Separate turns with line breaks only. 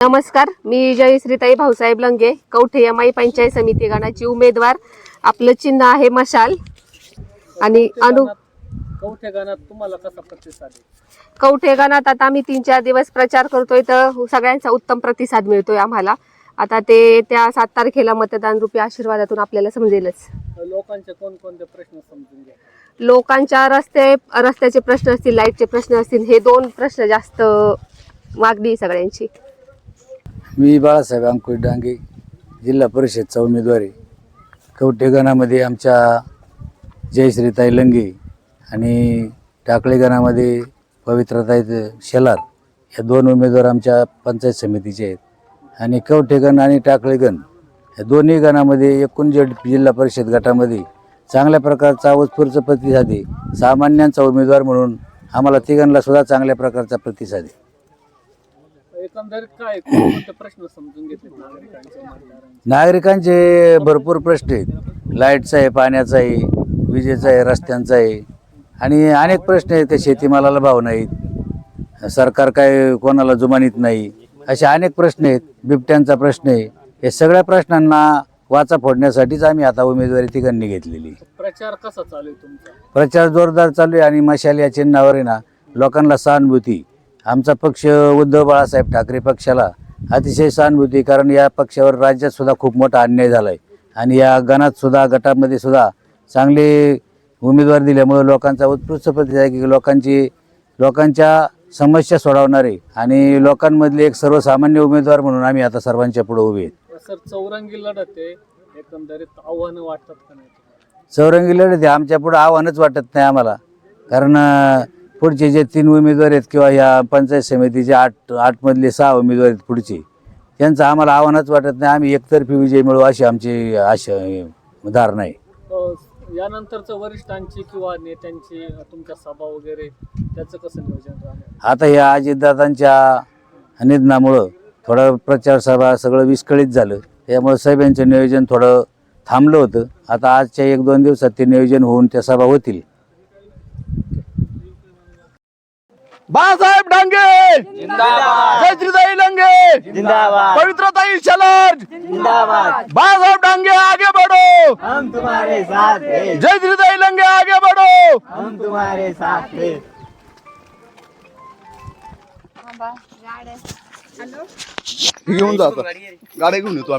नमस्कार, मी जयश्रीताई भाऊसाहेब लंगे, कवठे एमआय पंचायत समिती गणाची उमेदवार. आपलं चिन्ह आहे मशाल. आणि
कवठे गणात तुम्हाला कसा प्रतिसाद आहे?
कवठे गणात आता आम्ही 3-4 दिवस प्रचार करतोय तर सगळ्यांचा उत्तम प्रतिसाद मिळतोय आम्हाला. आता ते त्या 7 तारखेला मतदान रूपी आशीर्वादातून आपल्याला समजेलच.
लोकांचे कोणकोणते प्रश्न समजून घ्या.
लोकांच्या रस्त्याचे प्रश्न असतील, लाईटचे प्रश्न असतील, हे 2 प्रश्न जास्त मागणी सगळ्यांची.
मी बाळासाहेब अंकुश डांगे, जिल्हा परिषदचा उमेदवार आहे. कवठे गणामध्ये आमच्या जयश्रीताई लंगे आणि टाकळी गणामध्ये पवित्रताई शेलार या 2 उमेदवार आमच्या पंचायत समितीचे आहेत. आणि कवठे गण आणि टाकळी गण या दोन्ही गणामध्ये एकूण जिल्हा परिषद गटामध्ये चांगल्या प्रकारचा उत्स्फूर्त प्रतिसाद आहे. सामान्यांचा उमेदवार म्हणून आम्हाला तिघांना सुद्धा चांगल्या प्रकारचा प्रतिसाद आहे.
एकंदरीत काय कोणते प्रश्न समजून घेतले
नागरिकांचे भरपूर प्रश्न आहेत. लाईटचा आहे, पाण्याचा आहे, विजेचा आहे, रस्त्यांचा आहे आणि अनेक प्रश्न आहेत. ते शेतीमालाला भाव नाहीत, सरकार काय कोणाला जुमानीत नाही, असे अनेक प्रश्न आहेत. बिबट्यांचा प्रश्न आहे. हे सगळ्या प्रश्नांना वाचा फोडण्यासाठीच आम्ही आता उमेदवारी तिघांनी घेतलेली.
प्रचार कसा चालू आहे तुमचा?
प्रचार जोरदार चालू आहे आणि मशाल या चिन्हावर आहे ना लोकांना सहानुभूती. आमचा पक्ष उद्धव बाळासाहेब ठाकरे पक्षाला अतिशय सहानुभूती, कारण या पक्षावर राज्यात सुद्धा खूप मोठा अन्याय झाला आहे आणि या गटामध्ये सुद्धा चांगले उमेदवार दिल्यामुळे लोकांचा उत्कृष्ट प्रतिसाद आहे की लोकांच्या समस्या सोडवणारे आणि लोकांमधले एक सर्वसामान्य उमेदवार म्हणून आम्ही आता सर्वांच्या पुढे उभे आहेत.
सर, चौरंगी लढत आहे, एकंदरीत आव्हानं वाटतात का नाही?
चौरंगी लढत आहे, आमच्या पुढे आव्हानच वाटत नाही आम्हाला. कारण पुढचे जे 3 उमेदवार आहेत किंवा या पंचायत समितीचे 8 मधले 6 उमेदवार आहेत पुढचे, त्यांचं आम्हाला आव्हानच वाटत नाही. आम्ही एकतर्फी विजय मिळवू अशी आमची आशा धारणा आहे.
यानंतरचं वरिष्ठांची किंवा नेत्यांची तुमच्या सभा वगैरे त्याचं कसं नियोजन राहणार?
आता या अजितदादांच्या निधनामुळं थोडं प्रचार सभा सगळं विस्कळीत झालं, त्यामुळे सभेचं नियोजन थोडं थांबलं होतं. आता आजच्या 1-2 दिवसात ते नियोजन होऊन त्या सभा होतील.
बाळासाहेब डांगे जिंदाबाद, जयश्रीताई लंगे जिंदाबाद, पवित्रताई शेलार जिंदाबाद, बाळासाहेब डांगे आगे बढ़ो, हम तुम्हारे साथ हैं, जयश्रीताई लंगे आगे बढ़ो, हम तुम्हारे साथ हैं. घेऊन जातो गाड्या घेऊन येतो.